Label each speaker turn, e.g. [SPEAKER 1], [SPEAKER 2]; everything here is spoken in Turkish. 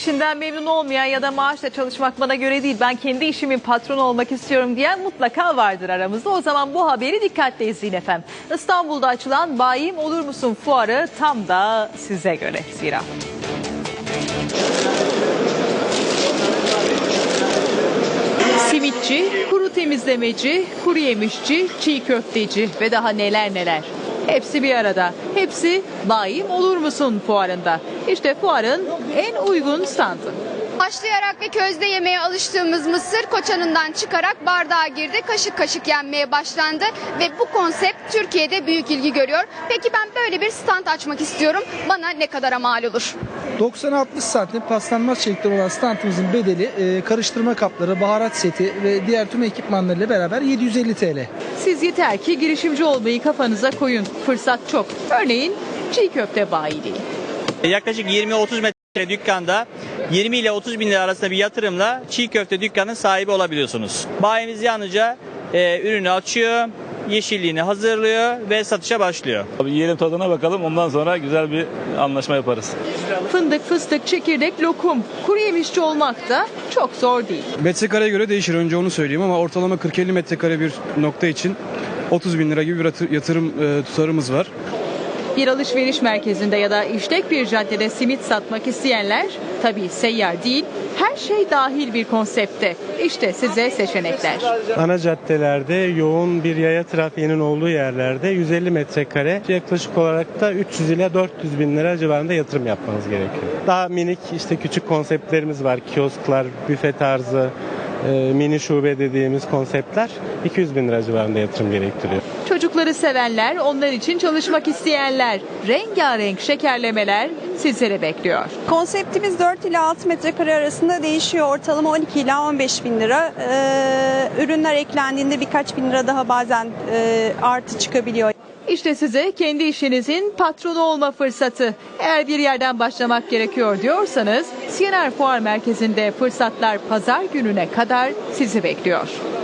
[SPEAKER 1] İşinden memnun olmayan ya da maaşla çalışmak bana göre değil, ben kendi işimin patronu olmak istiyorum diyen mutlaka vardır aramızda. O zaman bu haberi dikkatle izleyin efendim. İstanbul'da açılan Bayim Olur Musun fuarı tam da size göre zira. Simitçi, kuru temizlemeci, kuru yemişçi, çiğ köfteci ve daha neler neler. Hepsi bir arada. Hepsi Bayim Olur Musun fuarında. İşte fuarın en uygun standı.
[SPEAKER 2] Haşlayarak ve közde yemeye alıştığımız mısır koçanından çıkarak bardağa girdi, kaşık kaşık yenmeye başlandı ve bu konsept Türkiye'de büyük ilgi görüyor. Peki ben böyle bir stand açmak istiyorum. Bana ne kadara mal olur?
[SPEAKER 3] 90-60 santim paslanmaz şekli olan standımızın bedeli karıştırma kapları, baharat seti ve diğer tüm ekipmanlarıyla beraber 750 TL.
[SPEAKER 1] Siz yeter ki girişimci olmayı kafanıza koyun. Fırsat çok. Örneğin çiğ köfte bayiliği.
[SPEAKER 4] Yaklaşık 20-30 metre dükkanda 20 ile 30 bin lira arasında bir yatırımla çiğ köfte dükkanının sahibi olabiliyorsunuz. Bayimiz yalnızca ürünü açıyor, yeşilliğini hazırlıyor ve satışa başlıyor.
[SPEAKER 5] Yiyelim, tadına bakalım, ondan sonra güzel bir anlaşma yaparız.
[SPEAKER 1] Fındık, fıstık, çekirdek, lokum. Kuru yemişçi olmak da çok zor değil.
[SPEAKER 6] Metrekareye göre değişir, önce onu söyleyeyim, ama ortalama 40-50 metrekare bir nokta için 30 bin lira gibi bir yatırım tutarımız var.
[SPEAKER 1] Bir alışveriş merkezinde ya da işlek bir caddede simit satmak isteyenler tabii seyyar değil, her şey dahil bir konsepte. İşte size seçenekler.
[SPEAKER 7] Ana caddelerde yoğun bir yaya trafiğinin olduğu yerlerde 150 metrekare yaklaşık olarak da 300 ile 400 bin lira civarında yatırım yapmanız gerekiyor. Daha minik işte küçük konseptlerimiz var. Kiosklar, büfe tarzı, mini şube dediğimiz konseptler 200 bin lira civarında yatırım gerektiriyor.
[SPEAKER 1] Çocukları sevenler, onlar için çalışmak isteyenler, rengarenk şekerlemeler sizlere bekliyor.
[SPEAKER 8] Konseptimiz 4 ila 6 metrekare arasında değişiyor. Ortalama 12 ila 15 bin lira. Ürünler eklendiğinde birkaç bin lira daha bazen artı çıkabiliyor.
[SPEAKER 1] İşte size kendi işinizin patronu olma fırsatı. Eğer bir yerden başlamak gerekiyor diyorsanız, CNR Fuar Merkezi'nde fırsatlar pazar gününe kadar sizi bekliyor.